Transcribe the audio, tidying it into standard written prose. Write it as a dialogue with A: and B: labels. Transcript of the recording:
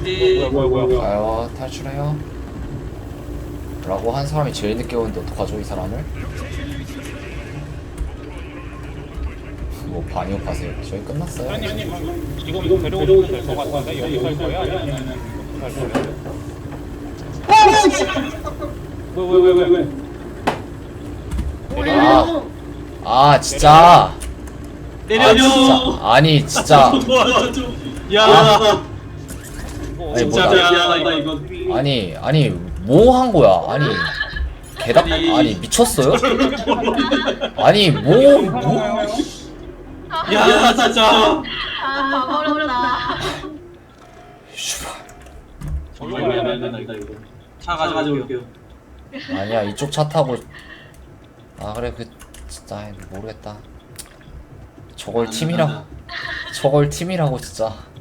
A: 뭐야.
B: 가요 탈출해요 라고 한 사람이 제일 늦게 오는데 어떡하죠 이 사람을? 뭐 반역하세요. 저희 끝났어요.
A: 아니 지금 데려오시면 될 것 같은데 여기 갈 거야? 아니면 갈 거야? 왜?
B: 아 진짜
C: 내려.
B: 아니 진짜
C: 도와줘. 야.
B: 아니
C: 진짜
B: 뭐다
C: 미안하다 이거.
B: 아니 뭐 한 거야 아니 개답 아니 미쳤어요? 아니 뭐
C: 야 진짜.
D: 아, 가버렸다.
B: 슈발.
C: 정말 미안하다 이거. 차 가져올게요.
B: 아니야 이쪽 차 타고 아 그래 그 진짜 모르겠다 저걸 팀이라고 진짜